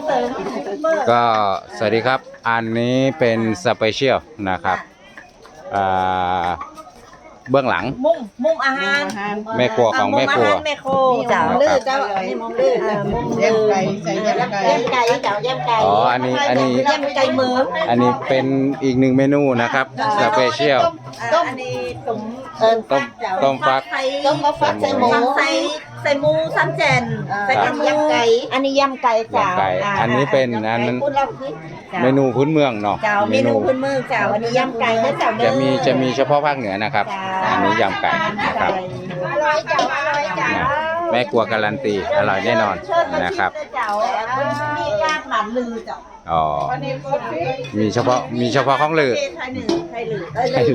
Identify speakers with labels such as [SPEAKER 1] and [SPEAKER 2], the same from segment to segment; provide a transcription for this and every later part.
[SPEAKER 1] ก็สวัสดีครับอันนี้เป็นสเปเชียลนะครับเบื้องหลัง
[SPEAKER 2] มุมอาหาร
[SPEAKER 1] แม่ครัวของแม่ครัว
[SPEAKER 2] แม่ครัวเจ้าลื้อเจ้าอันนี้มุมลื้อมุมแยมไก่ใส่แยมไก่เจ้าแยมไก่
[SPEAKER 1] อ๋ออันนี้
[SPEAKER 2] แยมไก่เหมือง
[SPEAKER 1] อันนี้เป็นอีกหนึ่งเมนูนะครับสเปเชียล
[SPEAKER 2] อันนี้
[SPEAKER 1] ต้มฟัก
[SPEAKER 2] ใส่หมูใส่หมูซ้ำแจนใส่ยำไก่อันนี้ยำไก่เจ้า
[SPEAKER 1] อันนี้เป็นอันนั้นเมนูพื้นเมืองเนาะ
[SPEAKER 2] เจ้าเมนูพื้นเมืองเจ้าอันนี้ยำไก่นะเจ้า
[SPEAKER 1] จะมีเฉพาะภาคเหนือนะครับอันนี้ยำไก่นะครับ
[SPEAKER 2] อร่อยเจ้าอร่อยเจ้า
[SPEAKER 1] แม่ครัวการันตีอร่อยแน่นอนนะครับ
[SPEAKER 2] มีการหมั่นลือเจ้า
[SPEAKER 1] อ๋อมีเฉพาะของลือใต้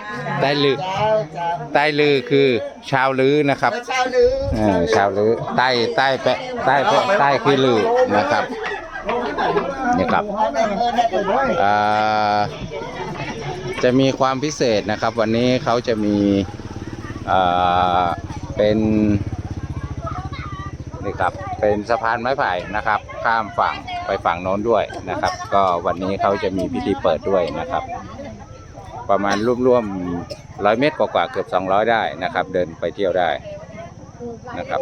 [SPEAKER 1] ลือคือชาวลือนะครับชาวลือใต้คือลือนะครับนี่ครับจะมีความพิเศษนะครับวันนี้เขาจะมีเป็นนี่ครับเป็นสะพานไม้ไผ่นะครับข้ามฝั่งไปฝั่งโน้นด้วยนะครับก็วันนี้เขาจะมีพิธีเปิดด้วยนะครับประมาณร่วม100 เมตรกว่าเกือบ200ได้นะครับเดินไปเที่ยวได้นะครับ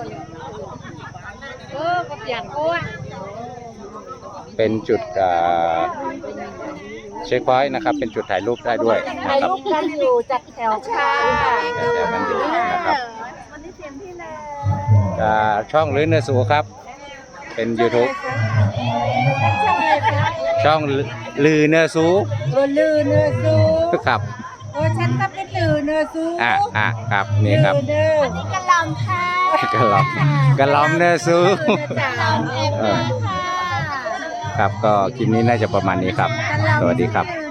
[SPEAKER 1] เป็นจุดเช็คพอยต์นะครับเป็นจุดถ่ายรูปได้ด้วย
[SPEAKER 2] ถ่ายรูปกันอยู่จัดแถวค่ะ
[SPEAKER 1] แถวกันอยู่นะครับช่องลือเนื้อสูครับเป็น YouTube ช่องลือเนื้อสู
[SPEAKER 2] ลือเนื้อสู
[SPEAKER 1] ครับ
[SPEAKER 2] ฉันก็เป็นลือเนื้อสู
[SPEAKER 1] ครับนี่ครับ
[SPEAKER 2] อันนี้กะลำค่ะ
[SPEAKER 1] กะลำเนื้อสูครับก็คลิปนี้น่าจะประมาณนี้ครับสวัสดีครับ